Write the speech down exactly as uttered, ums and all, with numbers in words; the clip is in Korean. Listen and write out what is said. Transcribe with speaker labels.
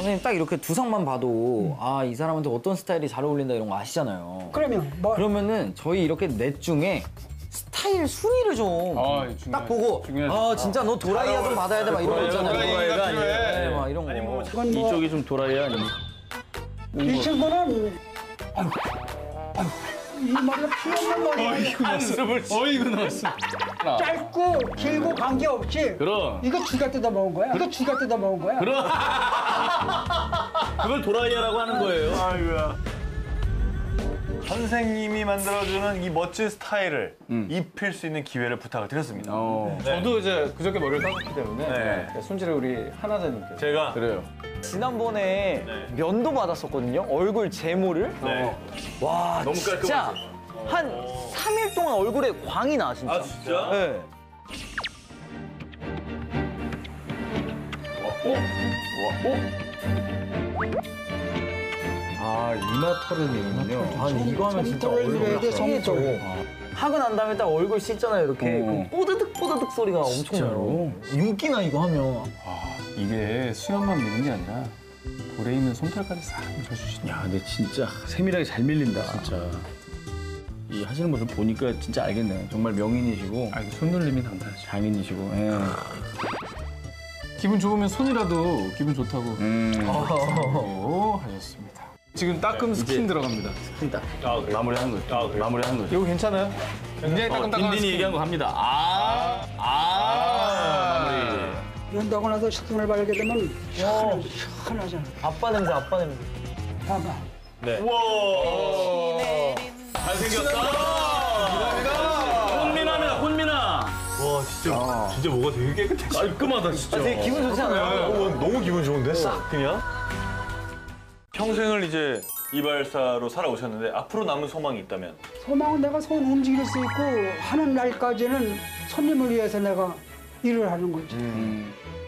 Speaker 1: 선생님 딱 이렇게 두상만 봐도 음. 아, 이 사람한테 어떤 스타일이 잘 어울린다 이런 거 아시잖아요.
Speaker 2: 그러면 뭐
Speaker 1: 그러면은 저희 이렇게 넷 중에 스타일 순위를 좀 딱 보고 중요하지. 아 진짜 너 도라이야 좀 받아야 돼 막 이런 거 있잖아요.
Speaker 3: 도라이가 아니에요.
Speaker 1: 네, 막 이런 거.
Speaker 3: 아니 뭐
Speaker 2: 이건 뭐
Speaker 4: 이쪽이 좀 도라이야 아니면
Speaker 2: 이 친구는 아유, 아유, 이 머리가 피 없는 머리야.
Speaker 3: 한숨을 어이구 넣었어.
Speaker 2: 짧고 길고 관계없이
Speaker 4: 그럼
Speaker 2: 이거 쥐가 뜯어 먹은 거야. 이거 쥐가 뜯어 먹은 거야.
Speaker 4: 그럼 그걸 도라이야라고 하는 거예요.
Speaker 3: 아이고야. 선생님이 만들어주는 이 멋진 스타일을 음. 입힐 수 있는 기회를 부탁을 드렸습니다.
Speaker 4: 어.
Speaker 5: 네. 저도 이제 그저께 머리를 감았기 때문에
Speaker 3: 네.
Speaker 5: 손질을 우리 하나자님께
Speaker 3: 제가
Speaker 4: 그래요.
Speaker 1: 지난번에 네. 면도 받았었거든요. 얼굴 제모를.
Speaker 3: 네.
Speaker 1: 와
Speaker 4: 너무
Speaker 1: 진짜 한 삼 일 동안 얼굴에 광이 나 진짜.
Speaker 3: 아 진짜?
Speaker 1: 네.
Speaker 4: 어? 어? 아 이마 털을 내군요.
Speaker 1: 아 이거 하면 진짜 얼굴이
Speaker 2: 성토.
Speaker 1: 하고 난 다음에 딱 얼굴 씻잖아요 이렇게.
Speaker 4: 어.
Speaker 1: 그 뽀드득 뽀드득 소리가 엄청 나요. 윤기나 이거 하면.
Speaker 5: 아, 이게 수염만 미는 게 아니라 볼에 있는 솜털까지 싹 묻혀주시네.
Speaker 4: 야 근데 진짜 세밀하게 잘 밀린다 진짜. 이 하시는 모습 보니까 진짜 알겠네. 정말 명인이시고
Speaker 5: 아, 이게 손놀림이 당당하죠.
Speaker 4: 장인이시고. 예.
Speaker 5: 기분 좋으면 손이라도 기분 좋다고
Speaker 4: 음.
Speaker 5: 오, 하셨습니다. 지금 따끔 스킨 들어갑니다.
Speaker 4: 스킨 딱 마무리하는 거죠.
Speaker 3: 아,
Speaker 4: 마무리하는 거죠.
Speaker 5: 이거 괜찮아요? 굉장히 따끔따끔한
Speaker 4: 딘딘이 얘기한 거 갑니다. 아, 아, 아, 마무리.
Speaker 2: 연다고 나서 식품을 바르게 되면 시원, 시원하잖아.
Speaker 1: 아빠 냄새 아빠 냄새.
Speaker 2: 봐봐.
Speaker 4: 네.
Speaker 3: 우와.
Speaker 4: 잘생겼다. 혼미나입니다, 혼미나.
Speaker 3: 와 진짜 진짜 뭐가 되게 깨끗해.
Speaker 4: 깔끔하다 진짜.
Speaker 1: 아, 되게 기분 좋지 않아요?
Speaker 3: 어, 너무 기분 좋은데 싹 그냥. 평생을 이제 이발사로 살아오셨는데 앞으로 남은 소망이 있다면?
Speaker 2: 소망은 내가 손 움직일 수 있고 하는 날까지는 손님을 위해서 내가 일을 하는 거지.
Speaker 4: 음.